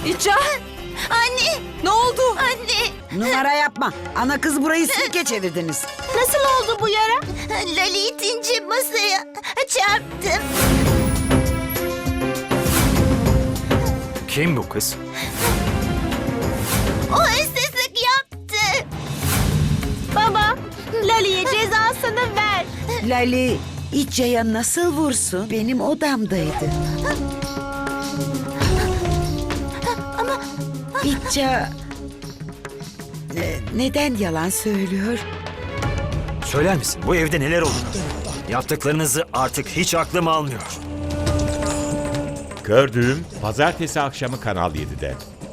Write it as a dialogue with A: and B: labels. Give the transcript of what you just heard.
A: İca!
B: Anne!
A: Ne oldu?
B: Anne!
C: Numara yapma. Ana kız burayı sirke çevirdiniz.
B: Nasıl oldu bu yara? Lali itince masaya çarptım.
D: Kim bu kız?
B: O hırsızlık yaptı. Baba, Lali'ye cezasını ver.
C: Lali, İcca'ya nasıl vursun? Benim odamdaydı. İcca... neden yalan söylüyor?
D: Söyler misin bu evde neler oldu? Yaptıklarınızı artık hiç aklım almıyor.
E: Gördüğüm Pazartesi akşamı Kanal 7'de.